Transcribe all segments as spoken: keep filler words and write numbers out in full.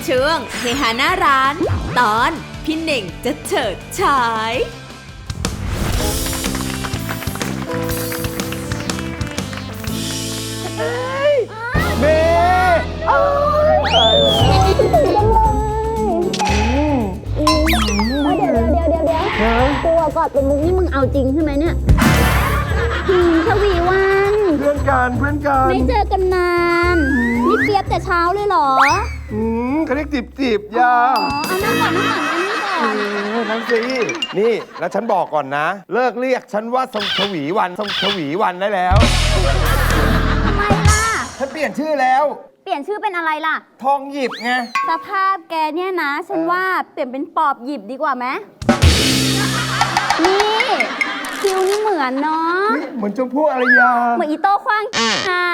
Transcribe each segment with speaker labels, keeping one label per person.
Speaker 1: ช่วงเฮฮาหน้าร้านตอนพี่เน่งจะเฉิดฉาย
Speaker 2: เมย์เอ้ยเดี๋ยวเดี๋ยวเดี๋ยวเดี๋ยวตัวกอดเป็นมุกนี่มึงเอาจริงใช่ไหมเนี่ยหืมชวีวัน
Speaker 3: เพื่อนกันเพื่อนกัน
Speaker 2: ไม่เจอกันนานนี่เปียบแต่เช้าเลยเหรอ
Speaker 3: อืมเขาเรียกจีบจีบยา
Speaker 2: อ๋อเอานั่งก่อนนั่งก่อนอันนี้ก่อน
Speaker 3: นั่งสินี่แล้วฉันบอกก่อนนะ เลิกเรียกฉันว่าทรงชวีวันทรงชวีวันได้แล้ว
Speaker 2: ทำไมล่ะ
Speaker 3: ฉันเปลี่ยนชื่อแล้ว
Speaker 2: เปลี่ยนชื่อเป็นอะไรล่ะ
Speaker 3: ทองหยิบไง
Speaker 2: สภาพแกเนี่ยนะฉันว่าเปลี่ยนเป็นปอบหยิบดีกว่าไหมนี่คิวนี่เหมือนเนาะ
Speaker 3: เหมือนชมพู่อารยา
Speaker 2: เหมือนอีโต้ขว้างค่ะ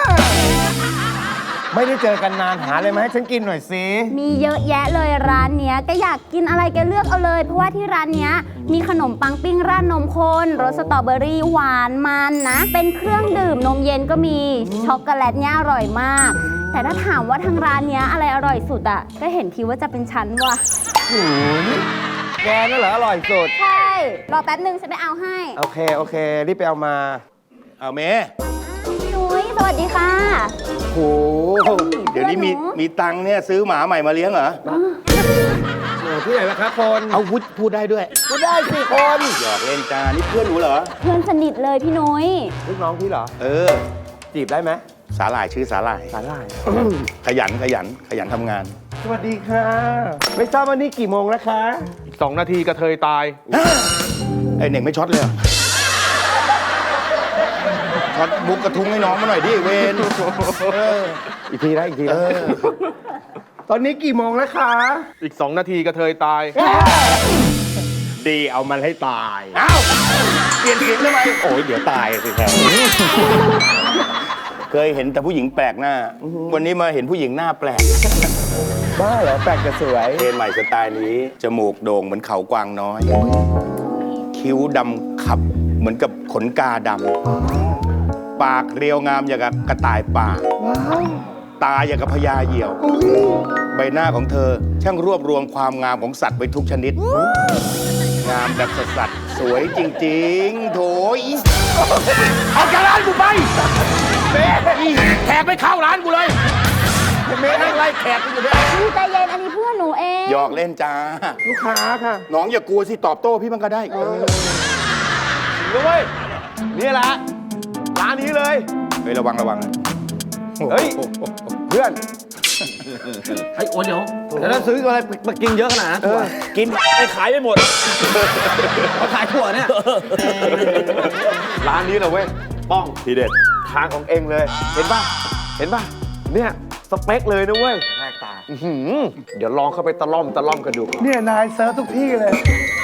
Speaker 3: ไม่ได้เจอกันนานหาอะไรมาให้ฉันกินหน่อยสิ
Speaker 2: มีเยอะแยะเลยร้านเนี้ยก็อยากกินอะไรแกเลือกเอาเลยเพราะว่าที่ร้านเนี้ยมีขนมปังปิ้งราดนมข้นรสสตรอเบอรี่หวานมันนะเป็นเครื่องดื่มนมเย็นก็มีช็อกโกแลตเนี้ยอร่อยมากแต่ถ้าถามว่าทางร้านเนี้ยอะไรอร่อยสุดอ่ะก็เห็นทีว่าจะเป็นชั้นว่ะ
Speaker 3: แกนั่นเหรออร่อยสุด
Speaker 2: ใช่รอแป๊บนึงฉันไปเอาให้
Speaker 3: โอเคโอเครีบไปเอามา
Speaker 4: เอาเมย์
Speaker 2: พี่นุ้ยสวัสดีค่ะ
Speaker 4: โอ้เดี๋ยวนี้มีมีตังค์เนี่ยซื้อหมาใหม่มาเลี้ยงเหรอ
Speaker 3: โอ้ที่ไหนล่ะครับคน
Speaker 4: เอาพูดพูดได้ด้วย
Speaker 3: พูดได้สิคน
Speaker 4: หยอกเล่นจ้านี่เพื่อนหนูเหรอ
Speaker 2: เพื่อนสนิทเลยพี่นุ้ย
Speaker 3: ลูกน้องพี่เหรอ
Speaker 4: เออ
Speaker 3: จีบได้ไหม
Speaker 4: สาหร่ายชื่อสาหร่าย
Speaker 3: สาหร่าย
Speaker 4: ขยันขยันขยันทำงาน
Speaker 3: สวัสดีค่ะไม่ทราบวันนี้กี่โมงแล้วคะ
Speaker 5: อีกสองนาทีกระเทยตาย
Speaker 4: ไอเน่งไม่ช็อตเลยช็อตบุกกระทุ้งให้น้องมาหน่อยดิเวน
Speaker 3: อีกทีนะอีกทีนะตอนนี้กี่โมงแล้วคะ
Speaker 5: อีกสองนาทีกระเทยตาย
Speaker 4: ดีเอามันให้ตายอ้าวเปลี่ยนเสียงทำไมโอ้ยเดี๋ยวตายสิครับเคยเห็นแต่ผู้หญิงแปลกหน้าวันนี้มาเห็นผู้หญิงหน้าแปลก
Speaker 3: บ้าเหรอแปลกแต่สวย
Speaker 4: เทรนใหม่สไตล์นี้จมูกโด่งเหมือนเขากวางน้อยคิ้วดำขับเหมือนกับขนกาดำปากเรียวงามอย่างกับกระต่ายป่าตาอย่างกับพญาเหยี่ยวใบหน้าของเธอช่างรวบรวมความงามของสัตว์ไว้ทุกชนิดงามแบบสัตว์สวยจริงๆโถยเอาจากร้านกูไปเบ๊แขกไม่เข้าร้านกูเลยเบ๊นั่งไล่แขกกูอยู่เนี่ย
Speaker 2: ใจเย็นอันนี้เพื่อนหนูเอง
Speaker 4: หยอกเล่นจ้า
Speaker 3: ลูกค้าค่ะ
Speaker 4: น้องอย่ากลัวสิตอบโต้พี่มันก็ได้
Speaker 3: รู้ไหมนี่แหละร้านนี้เลย
Speaker 4: เฮ้ยระวังระวัง
Speaker 3: เฮ้ยเพื่อน
Speaker 5: ไอ้โอนเดี๋ยวแล้วซื้ออะไรมากินเยอะขนาดนั้นกินไปขายไปหมดมาขายถั่วเนี่ย
Speaker 3: ร้านนี้เหรอเว้ยป้อง
Speaker 4: ทีเด็ด
Speaker 3: ทางของเองเลยเห็นป่ะเห็นป่ะเนี่ยสเปคเลยนะเว้ยแรกตาเดี๋ยวลองเข้าไปตะล่อมตะล่อมกันดูเนี่ยนายเซิร์ฟทุกที่เลย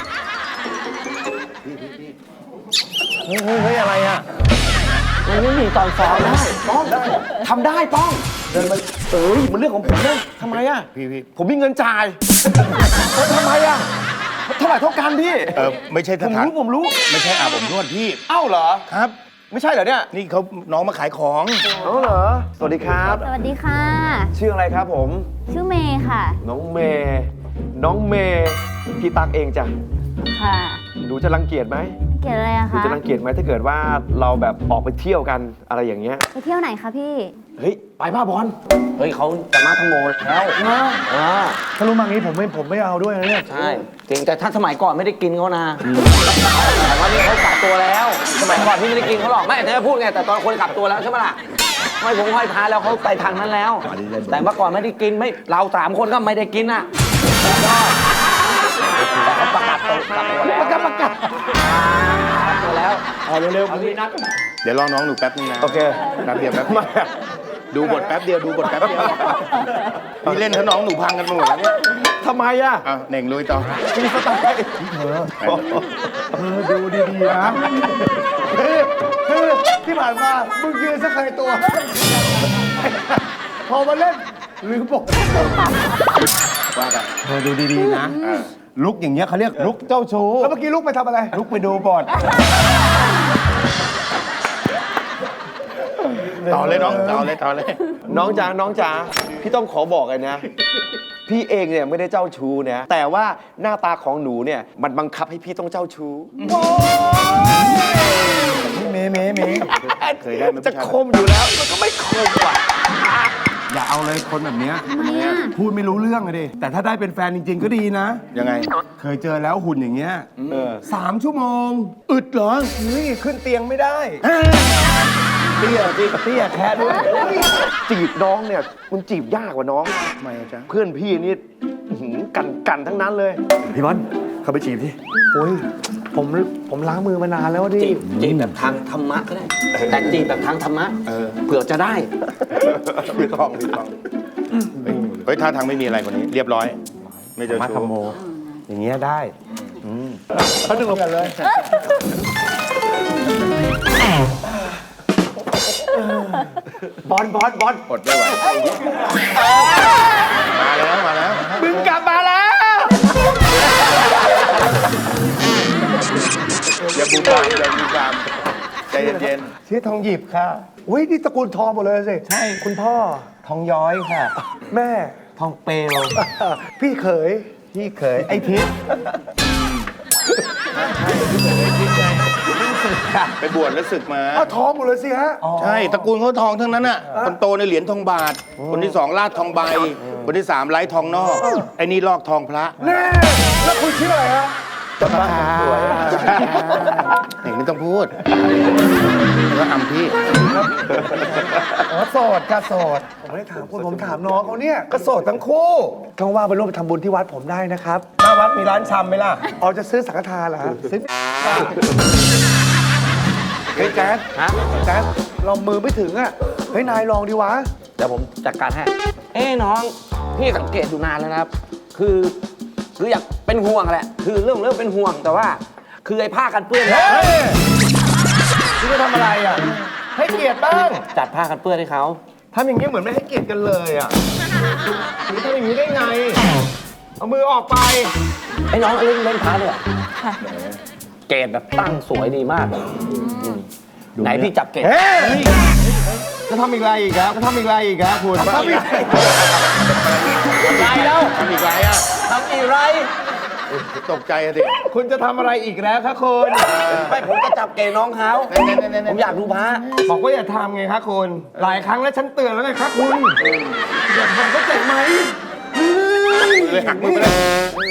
Speaker 3: เฮ้ยเฮ้ยอะไรอ่ะมันไม่มีตอนซ้อมได้ป้องทำได้ป้องเดินมาเอ้ยมันเรื่องของผมนะทำไมอ่ะ
Speaker 4: พี่พี่
Speaker 3: ผมมีเงินจ่ายทำไมอ่ะเท่าไหร่เท่ากันพี่
Speaker 4: เออไม่ใช่สถาน
Speaker 3: ผมรู้ผมรู้
Speaker 4: ไม่ใช่อาบอบนวดพี่
Speaker 3: เอ้าเหรอ
Speaker 4: ครับ
Speaker 3: ไม่ใช่เหรอเนี่ย
Speaker 4: นี่เขาน้องมาขายของ
Speaker 3: อ๋อเหรอสวัสดีครับ
Speaker 2: สวัสดีค่ะ
Speaker 3: ชื่ออะไรครับผม
Speaker 2: ชื่อเมย์ค่ะ
Speaker 3: น้องเมย์น้องเมย์พี่ตั๊กเองจ้ะ
Speaker 2: ค่ะ
Speaker 3: หนูจะรังเกียจไหม
Speaker 2: เกียจอะไรอะคะ
Speaker 3: หนูจะรังเกียจไหมถ้าเกิดว่าเราแบบออกไปเที่ยวกันอะไรอย่างเงี้ย
Speaker 2: ไปเที่ยวไหนคะพี่
Speaker 3: เฮ้ยไปบ้าบอล
Speaker 5: เฮ้ยเขาจะมาทั้งโมแล้ว
Speaker 3: อ่าถ้ารู้มางี้ผมไม่ผมไม่เอาด้วยนะเนี่ย
Speaker 5: ใช่จริงแต่ท่านสมัยก่อนไม่ได้กินเขานะแต่ว่านี่เขากลับตัวแล้วสมัยก่อนพี่ไม่ได้กินเขาหรอกไม่แต่พูดไงแต่ตอนคนกลับตัวแล้วใช่ไหมล่ะไม่ผมห้อยพาแล้วเขาไปทางนั้นแล้วแต่เมื่อก่อนไม่ได้กินไม่เราสามคนก็ไม่ได้กินอ่ะแต่เขาประกาศตัวกลับตัวแล้ว
Speaker 3: ประกาศประกาศ
Speaker 5: ตัวแล้ว
Speaker 3: เอาเร็วๆเอาดีนัด
Speaker 4: เดี๋ยวรอน้องหนูแป๊บนึงนะ
Speaker 3: โอเค
Speaker 4: แป๊บเดียวแป๊บเดียวดูบทแป๊บเดียวดูบทแป๊บเดียวพี่เล่นถ้าน้องหนูพังกันหมดแล้วเนี่ย
Speaker 3: ทำไมอ่ะ
Speaker 4: อ่ะเน่งลุยต่อ
Speaker 3: มีสไตล์เธอเธอดูดีๆนะคือที่ผ่านมามึงยืนสักใครตัวพอมาเล่นลืมบอก
Speaker 4: ว่าไป
Speaker 3: เธอดูดีๆนะลุกอย่างเงี้ยเขาเรียกลุกเจ้าชู้แล้วเมื่อกี้ลุกไปทำอะไรลุกไปดูบอล
Speaker 4: ต่อเลยน้องต่อเลยต่อเลย
Speaker 3: น้องจ๋าน้องจ๋าพี่ต้องขอบอกเลยนะพี่เองเนี่ยไม่ได้เจ้าชู้นะแต่ว่าหน้าตาของหนูเนี่ยมันบังคับให้พี่ต้องเจ้าชู้เมเมเม
Speaker 4: เคยได้ไหม
Speaker 3: จะคมอยู่แล้วมันก็ไม่คมว่ะ
Speaker 6: อย่าเอาเลยคนแบบเนี้ยพูดไม่รู้เรื่องเลยดิแต่ถ้าได้เป็นแฟนจริง ๆ ก็ดีนะ
Speaker 4: ยังไง
Speaker 6: เคยเจอแล้วหุ่นอย่างเงี้ย
Speaker 3: เออ
Speaker 6: สามชั่วโมง อึดเหรอเฮ้ยขึ้นเตียงไม่ได้
Speaker 3: เตี้ยเตี้ยเตี้ยแค่ด้วยจีบน้องเนี่ยมันจีบยากกว่าน้อง
Speaker 4: ทำไมอะจ๊ะ
Speaker 3: เพื่อนพี่นี่อื้อหือกันกันทั้งนั้นเลยพี่บอลเข้าไปจีบที่โอ้ยผมผมล้างมือมานานแล้วดิ
Speaker 5: จีบจีบแบบทางธรรมะก็ได้ แต่จีบแบบทางธรรมะ
Speaker 4: เออ
Speaker 5: เผื่อจะได้
Speaker 4: ไม่ต้องไม่ต้องเฮ้ยท่าทางไม่มีอะไรกว่านี้ เรียบร้อย ไม่เจอ
Speaker 3: มา
Speaker 4: ชู้
Speaker 3: ทำโม อย่างเงี้ยได้เขาดึงลงกันเลยบอลบอลบอล
Speaker 4: อดไม่ไหวมาแล้วมาแล้ว
Speaker 3: มึงกลับมาแล้ว
Speaker 4: อย่าบูมบามอย่าบูมบามใจเย็น
Speaker 6: ชื่อทองหยิบค่ะอุ้ยนี่ตระกูลทองหมดเลยสิ ใช่ คุณพ่อทองย้อยค่ะ แม่ทองเปลว พี่เขย พี่เขย ไอทิศ
Speaker 4: ๆไปบวชแล้วศึกมา
Speaker 6: อ้าวทองหมดเลยสิฮะ
Speaker 4: ใช่ตระกูลเขาทองทั้งนั้นอ่ะคนโตในเหรียญทองบาท คนที่สองลาดทองใบ คนที่สามไร้ทองนอก ไอ้นี่ลอกทองพระ
Speaker 6: แน่ แล้วคุณชื่ออะไรฮะ
Speaker 4: สวยเห็นไม่ต้องพูดแล้วอำพี่
Speaker 6: อ๋อโสดค่ะโสด ผมไม่ได้ถามคุณผมถามน้องเขาเนี่ยก็โสดทั้งคู่ท้องว่าไปร่วมทำบุญที่วัดผมได้นะครับหน้าวัดมีร้านชำไหมล่ะอ๋อจะซื้อสังฆทานเหรอฮะซื้อเฮ้ยแจ๊ด
Speaker 5: ฮะ
Speaker 6: แจ๊ดเรามือไม่ถึงอ่ะเฮ้ยนายลองดีวะ
Speaker 5: เดี๋ยวผมจัดการให้ เอ้น้อง พี่สังเกตอยู่นานแล้วนะครับ คือคืออยากเป็นห่วงแหละ คือเรื่องเรื่องเป็นห่วงแต่ว่า คือไอ้ผ้ากันเปื้อนเนี่ย
Speaker 6: เฮ้ยคุณจะทำอะไรอ่ะให้เกียรติบ้าง
Speaker 5: จัดผ้ากันเปื้อนให้เขา
Speaker 6: ทำอย่างนี้เหมือนไม่ให้เกียรติกันเลยอ่ะหรือทำอย่างนี้ได้ไง เอามือออกไป
Speaker 5: ไอ้น้องเล่นเล่นพาเลยเหรอเกรดแบบตั้งสวยดีมากอืมไหนพี่จับเกรด
Speaker 6: เฮ้ยจะทำอีกไรอีกครับจะทำอีกไรอีกครับคุณทำอีกไร
Speaker 5: ไรแล้ว
Speaker 4: ทำอีกไรอ่ะ
Speaker 5: ทำอีไร
Speaker 4: ตกใจอะสิ
Speaker 6: คุณจะทำอะไรอีกแล้วครับคุณ
Speaker 5: ไม่ผมก็จับเกรดน้องเขาผมอยากดูพระ
Speaker 6: บอกว่าอย่าทำไงครับคุณ หลายครั้งแล้วฉันเตือนแล้วไงครับคุณอย่าทำก็เจ็บไหม
Speaker 4: เลยหักมือไปเลย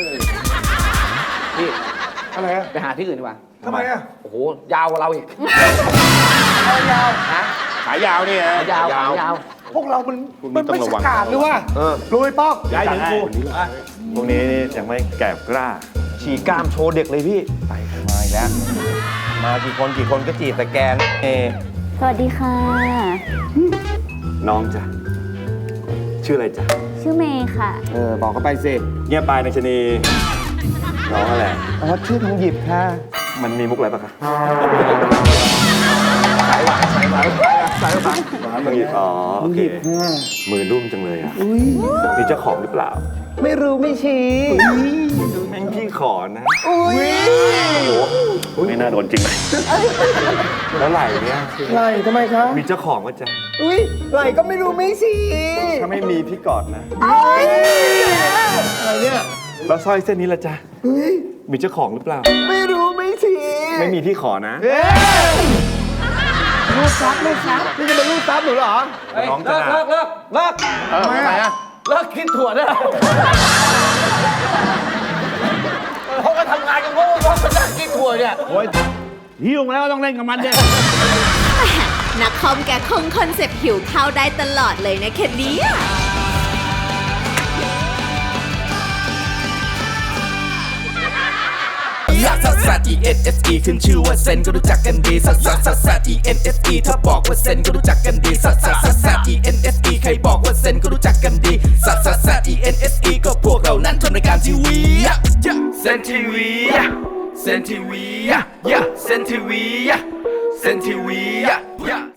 Speaker 5: พี่
Speaker 6: อะไรอะ
Speaker 5: ไปหาที่อื่นดีกว่า
Speaker 6: ทำไมอะ
Speaker 5: โอ้โห ยาวกว่าเราอีก
Speaker 6: ยาว
Speaker 5: ฮะ
Speaker 4: ขายาวนี่ฮะ
Speaker 5: ยาวขายาว
Speaker 6: พวกเรามัน
Speaker 4: คุณ
Speaker 6: มัน
Speaker 4: ต้อ
Speaker 6: ไม่
Speaker 4: งระวัง
Speaker 6: ฉกาจหรือว่ารู้ไหมป้อง
Speaker 3: ย้ายถึงกูพวกนี้นี่ยังไม่แก่กล้า ฉีกกล้ามโชว์เด็กเลยพี่ ไปมาอีกแล้ว มากี่คนกี่คนก็จีบแต่แกนเอ
Speaker 2: สวัสดีค่ะ
Speaker 3: น้องจ้ะชื่ออะไรจ๊ะ
Speaker 2: ชื่อเมย์ค่ะ
Speaker 6: เออบอกเขาไปสิ
Speaker 3: เงียบไปในชนีน้องอะไร
Speaker 6: อ๋อชื่อทองหยิบค่ะ
Speaker 3: มันมีมุกอะไรปะคะ
Speaker 6: สายหวานสายหวานสายหวาน
Speaker 3: มันมีอ๋อโอเคมือนุ่มจังเลยอ่ะมีเจ้าของหรือเปล่า
Speaker 6: ไม่รู้ไม่ชี้
Speaker 3: แม่งพี่ขอนะโอ้โหไม่น่าโดนจริงไหมแล้วไหล่เนี่ย
Speaker 6: ไหลทำไมคะ
Speaker 3: มีเจ้าของก็จะ
Speaker 6: อุ้ยไหลก็ไม่รู้ไม่ชี้
Speaker 3: ถ้าไม่มีพี่กอดนะ
Speaker 6: อะไรเนี่ย
Speaker 3: แล้วสร้อยเส้นนี้ละจ๊ะ
Speaker 6: เฮ้ย
Speaker 3: มีเจ้าของหรือเปล่า
Speaker 6: ไม่รู้ไม่ชี้
Speaker 3: ไม่มีพี่ขอนะ
Speaker 6: เอ้ยลูกซับลูกซับนี่จะเป็นลูกซับหนูเหรอ
Speaker 3: น้องจะ
Speaker 5: เลิกเลิกเลิก
Speaker 4: เออทำไมอ่ะ
Speaker 5: เลิกคิดถั่วได้แล้วเขาก็ทำงานกันโง่ๆเขาจะคิดถั่วเนี่ย
Speaker 3: หิ้วแล้วต้องเล่นกับมันเนี่ย
Speaker 1: นักคอมแกคงคอนเซปต์หิวข้าวได้ตลอดเลยนะแค่นี้
Speaker 7: ลักซัสซัส E N S E ขึ้นชื่อว่าเซนก็รู้จักกันดีซัสซัสซัสซัส E N S E ถ้าบอกว่าเซนก็รู้จักกันดีซัสซัสซัสซัส E N S E ใครบอกว่าเซนก็รู้จักกันดีซัสซัสซัส E N S E ก็พวกเรานั้นทำรายการทีวีเซนทีวีเซนทีวีเซนทีวีเซนทีวี